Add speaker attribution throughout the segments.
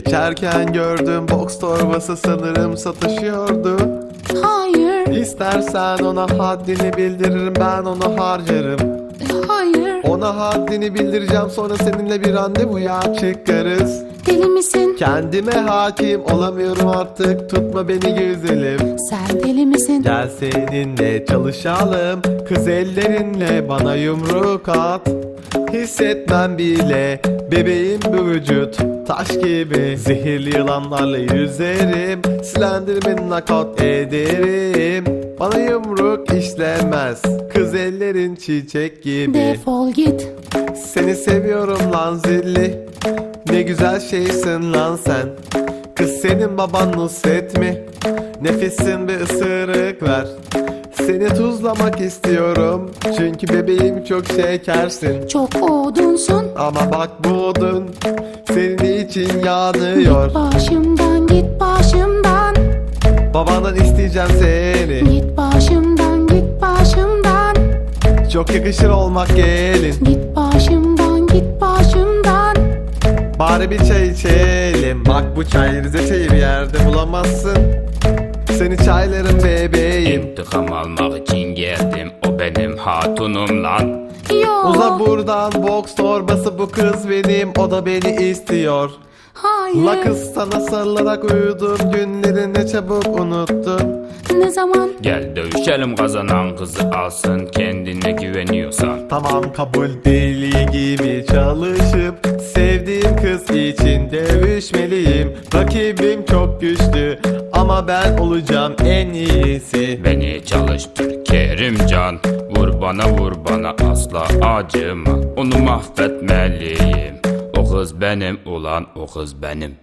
Speaker 1: Geçerken gördüm, box torbası sanırım satışıyordu.
Speaker 2: Hayır,
Speaker 1: İstersen ona haddini bildiririm, ben onu harcarım.
Speaker 2: hayır.
Speaker 1: Ona haddini bildireceğim, sonra seninle bir randevuya çıkarız.
Speaker 2: Deli misin?
Speaker 1: Kendime hakim olamıyorum artık, tutma beni güzelim.
Speaker 2: Sen deli misin?
Speaker 1: Gel seninle çalışalım, kız ellerinle bana yumruk at. Hissetmem bile bebeğim bu vücut, taş gibi. Zehirli yılanlarla yüzerim, Slenderman'ı knockout ederim. Bana yumruk işlemez, kız ellerin çiçek gibi.
Speaker 2: Defol git.
Speaker 1: Seni seviyorum lan zilli, ne güzel şeysin lan sen. Kız senin baban Nusret mi? Nefesin bir ısırık ver. Seni tuzlamak istiyorum, çünkü bebeğim çok şekersin.
Speaker 2: Çok odunsun.
Speaker 1: Ama bak bu odun senin için yanıyor.
Speaker 2: Git başımdan, git başımdan.
Speaker 1: Babandan isteyeceğim seni,
Speaker 2: Git başımdan, git başımdan.
Speaker 1: çok yakışır olmak gelin.
Speaker 2: Git başımdan, git başımdan.
Speaker 1: Bari bir çay içelim, bak bu çay Rize çayı bir yerde bulamazsın. Seni çaylarım bebeğim.
Speaker 3: İntikam almak için geldim, o benim hatunum lan.
Speaker 2: Yok.
Speaker 1: Uza buradan, box torbası bu kız benim, o da beni istiyor.
Speaker 2: Hayır.
Speaker 1: La kız sana sarılarak uyudum, günlerini çabuk unuttun.
Speaker 2: Ne zaman?
Speaker 3: Gel dövüşelim, kazanan kızı alsın, kendine güveniyorsan.
Speaker 1: Tamam kabul, deli gibi çalışıp sevdiğim kız için dövüşmeliyim. Rakibim çok güçlü ama ben olacağım en iyisi.
Speaker 3: Beni çalıştır Kerimcan, vur bana asla acıma. Onu mahvetmeliyim, o kız benim ulan, o kız benim.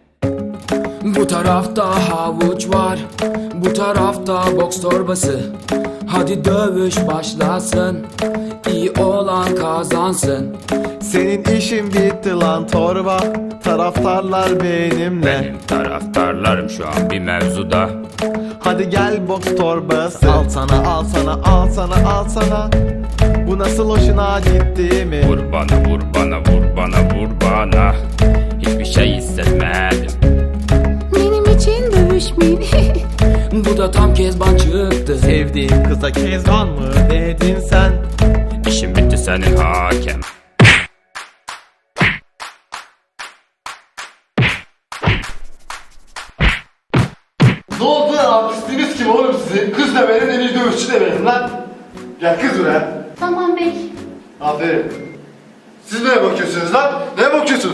Speaker 4: Bu tarafta havuç var, bu tarafta boks torbası. Hadi dövüş başlasın, iyi olan kazansın.
Speaker 1: Senin işin bitti lan torba, taraftarlar benimle.
Speaker 3: Benim taraftarlarım şu an bir mevzuda.
Speaker 1: Hadi gel box torbası, al sana al sana al sana al sana. Bu nasıl hoşuna gitti mi?
Speaker 3: Vur bana vur bana vur bana vur bana. Hiçbir şey hissetmedim.
Speaker 2: Benim için dövüşmeyin.
Speaker 4: Bu da tam Kezban çıktı.
Speaker 1: Sevdiğim kıza Kezban mı dedin sen?
Speaker 3: İşim bitti senin hakem.
Speaker 5: Ne oldu lan, artistiniz kim oğlum sizin? Kız da verin, en iyi dövüşçü de verin lan. Gel kız buraya.
Speaker 2: Tamam bey.
Speaker 5: Aferin. Siz neye bakıyorsunuz lan? Neye bakıyorsunuz?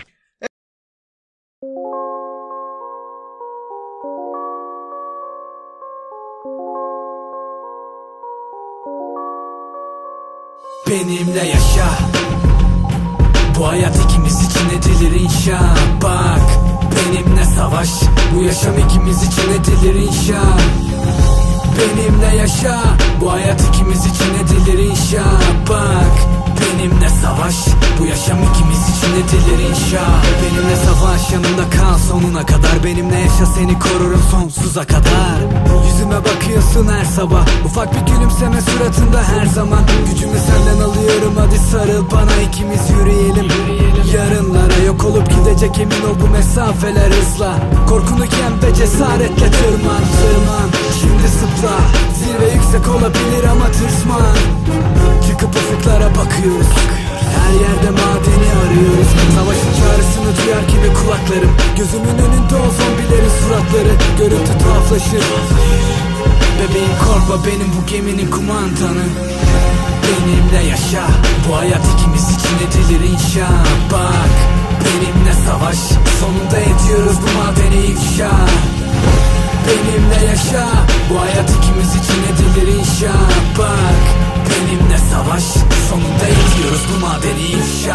Speaker 4: Benimle yaşa, bu hayat ikimiz için edilir inşa. Bak, benimle savaş, bu yaşam ikimiz için edilir inşa. Benimle yaşa, bu hayat ikimiz için edilir inşa. Bak, benimle savaş, bu yaşam ikimiz için edilir inşa. Benimle savaş, yanımda kal sonuna kadar. Benimle yaşa, seni korurum sonsuza kadar. Yüzüme bakıyorsun her sabah, ufak bir gülümseme suratında her zaman. Gücümü senden alıyorum, hadi sarıl bana, ikimiz yürüyelim. Yarınlara yok olup gidecek, emin ol bu mesafeler hızla. Korkunu yen ve cesaretle tırman. Şimdi zıpla, zirve yüksek olabilir ama tırsman. Çıkıp ufuklara bakıyoruz, her yerde madeni arıyoruz. Savaşın çağrısını duyar gibi kulaklarım. Gözümün önünde o zombilerin suratları. Görüntü tuhaflaşır. Bebeğim korkma, benim bu geminin kumandanı. Benimle yaşa, bu hayat ikimiz için edilir inşa. Bak, benimle savaş, sonunda ediyoruz bu madeni ifşa. Benimle yaşa, bu hayat ikimiz için edilir inşa. Bak, benimle savaş, sonunda ediyoruz bu madeni ifşa.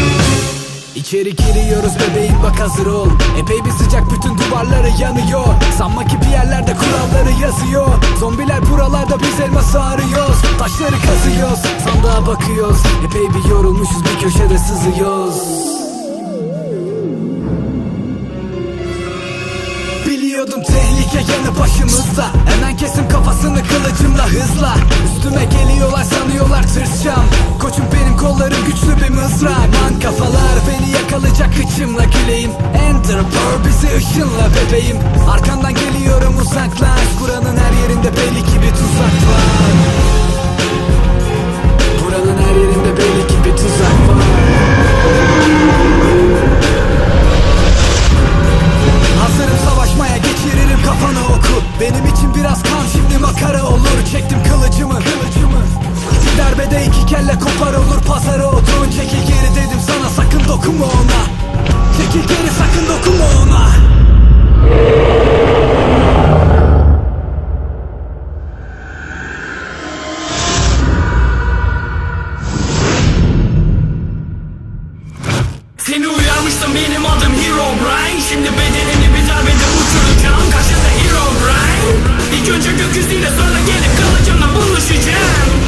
Speaker 4: İçeri giriyoruz bebeğim, bak hazır ol. Epey bir sıcak, bütün duvarları yanıyor. Sanma ki bir yerlerde kuralları yazıyor. Zombiler buralarda, biz elması arıyoruz. Taşları kazıyoruz, sandığa bakıyoruz. Epey bir yorulmuşuz, bir köşede sızıyoruz. Biliyordum tehlike yanı başımızda. Hemen kesim kafasını kılıcımla hızla. Üstüme geliyorlar, sanıyorlar tırsacağım. Koçum benim, kollarım güçlü bir mızrak. Man kafalar beni yakalayacak, kıçımla güleyim. Ender Pearl bizi ışınla bebeğim. Arkandan geliyorum, uzaklaş. Buranın her yerinde belli ki bir tuzak var. Buranın her yerinde belli ki bir tuzak var. Hazırım savaşmaya, geçiririm kafana oku. Benim için biraz kan, şimdi makara olur. Çektim kılıcımı. Bir darbede iki kelle kopar olur. Pazara oturun, çekil geri dedim sana, sakın dokunma ona. Çekil geri, sakın dokunma ona.
Speaker 6: Seni uyarmıştım, benim adım Herobrine. Şimdi bedenini bir darbede uçuracağım. Karşında Herobrine. İlk önce gökyüzüyle, sonra gelip kılıcımla buluşacağım.